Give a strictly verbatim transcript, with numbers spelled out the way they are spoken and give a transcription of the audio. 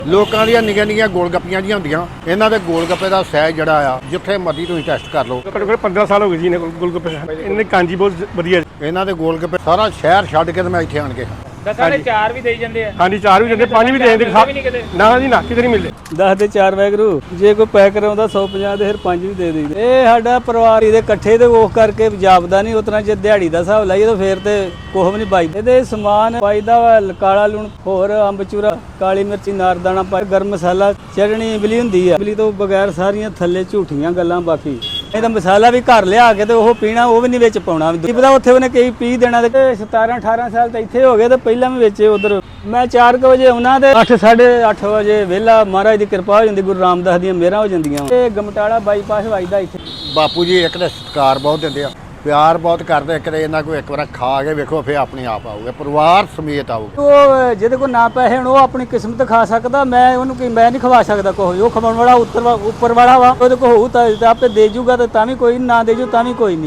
ਲੋਕਾਂ ਦੀਆਂ ਨਿੱਕੀਆਂ ਨਿੱਕੀਆਂ ਗੋਲ ਗੱਪੀਆਂ ਜੀਆਂ ਹੁੰਦੀਆਂ, ਇਹਨਾਂ ਦੇ ਗੋਲ ਗੱਪੇ ਦਾ ਸਾਈਜ਼ ਜਿਹੜਾ ਆ ਜਿੱਥੇ ਮਰਜ਼ੀ ਤੁਸੀਂ ਟੈਸਟ ਕਰ ਲਓ। ਘੱਟੋ ਘੱਟ ਪੰਦਰਾਂ ਸਾਲ ਹੋ ਗਏ ਜੀ ਇਹਨੇ ਗੋਲ ਗੱਪੇ ਇਹਨੇ ਕਾਂਜੀ ਬਹੁਤ ਵਧੀਆ। ਇਹਨਾਂ ਦੇ ਗੋਲ ਗੱਪੇ ਸਾਰਾ ਸ਼ਹਿਰ ਛੱਡ ਕੇ ਤੇ ਮੈਂ ਇੱਥੇ ਆਣ ਕੇ ਦਸਾਂ ਦੇ ਚਾਰ ਵੀ ਦੇਈ ਜਾਂਦੇ ਆ। ਹਾਂਜੀ ਚਾਰ ਵੀ ਦਿੰਦੇ, ਪੰਜ ਵੀ ਦੇ ਦਿੰਦੇ। ਨਾ ਜੀ ਨਾ, ਕਿਤੇ ਨਹੀਂ ਮਿਲਦੇ। ਦਸ ਦੇ ਚਾਰ ਵੈਗਰੂ, ਜੇ ਕੋਈ ਪੈਕ ਕਰਾਉਂਦਾ ਸੌ ਪੰਜਾਹ ਦੇ ਫਿਰ ਪੰਜ ਵੀ ਦੇ ਦਿੰਦੇ। ਇਹ ਸਾਡਾ ਪਰਿਵਾਰ ਇਹਦੇ ਇਕੱਠੇ ਤੇ ਉਹ ਕਰਕੇ ਜਾਪਦਾ ਨਹੀਂ। ਉਤਨਾ ਜੇ ਦਿਹਾੜੀ ਦਾ ਹਿਸਾਬ ਲਾਈਏ ਤਾਂ ਫੇਰ ਤੇ ਕੁਛ ਵੀ ਨਹੀਂ ਪਾਈਦਾ। ਇਹਦੇ ਸਮਾਨ ਪਾਈਦਾ ਵਾ ਕਾਲਾ ਲੂਣ, ਹੋਰ ਅੰਬ ਚੂਰਾ, ਕਾਲੀ ਮਿਰਚੀ, ਨਾਰਦਾਣਾ ਪਾ, ਗਰਮ ਮਸਾਲਾ, ਚਟਣੀ ਇਮਲੀ ਹੁੰਦੀ ਆ। ਇਮਲੀ ਤੋਂ ਬਗੈਰ ਸਾਰੀਆਂ ਥੱਲੇ ਝੂਠੀਆਂ ਗੱਲਾਂ। ਬਾਕੀ ਇਹਦਾ ਮਸਾਲਾ ਵੀ ਘਰ ਲਿਆ ਕੇ ਤੇ ਉਹ ਪੀਣਾ, ਉਹ ਵੀ ਨਹੀਂ ਵਿੱਚ ਪਾਉਣਾ। ਕੀ ਪਤਾ ਉੱਥੇ ਉਹਨੇ ਕਈ ਪੀ ਦੇਣਾ। ਤੇ ਸਤਾਰਾਂ ਅਠਾਰਾਂ ਸਾਲ ਤਾਂ ਇੱਥੇ ਹੋ ਗਏ ਤੇ ਪਹਿਲਾਂ ਵੀ ਵਿੱਚ ਉਧਰ ਮੈਂ ਚਾਰ ਕੁ ਵਜੇ ਆਉਣਾ ਤੇ ਅੱਠ ਸਾਢੇ ਅੱਠ ਵਜੇ ਵਿਹਲਾ। ਮਹਾਰਾਜ ਦੀ ਕਿਰਪਾ ਹੋ ਜਾਂਦੀ, ਗੁਰੂ ਰਾਮਦਾਸ ਦੀਆਂ ਮਿਹਰਾਂ ਹੋ ਜਾਂਦੀਆਂ। ਤੇ ਗਮਟਾਲਾ ਬਾਈਪਾਸ ਵੱਜਦਾ ਇੱਥੇ। ਬਾਪੂ ਜੀ ਇੱਕ ਤਾਂ ਸਤਿਕਾਰ ਬਹੁਤ ਦਿੰਦੇ ਆ, ਪਿਆਰ ਬਹੁਤ ਕਰਦੇ। ਇੱਕ ਤੇ ਇਹਨਾਂ ਕੋਈ ਇੱਕ ਵਾਰ ਖਾ ਕੇ ਵੇਖੋ, ਫਿਰ ਆਪਣੇ ਆਪ ਆਊਗਾ, ਪਰਿਵਾਰ ਸਮੇਤ ਆਊਗਾ। ਉਹ ਜਿਹਦੇ ਕੋਲ ਨਾ ਪੈਸੇ ਹੁਣ ਉਹ ਆਪਣੀ ਕਿਸਮਤ ਖਾ ਸਕਦਾ। ਮੈਂ ਉਹਨੂੰ ਕੀ ਮੈਂ ਨਹੀਂ ਖਵਾ ਸਕਦਾ ਕੋਈ। ਉਹ ਖਵਾਉਣ ਵਾਲਾ ਉੱਤਰ ਉੱਪਰ ਵਾਲਾ ਵਾ। ਉਹਦੇ ਕੋਲ ਹੋਊ ਤਾਂ ਆਪੇ ਦੇ ਜੂਗਾ, ਤੇ ਤਾਂ ਵੀ ਕੋਈ ਨਾ ਦੇ ਜੂ ਤਾਂ ਵੀ ਕੋਈ ਨਹੀਂ।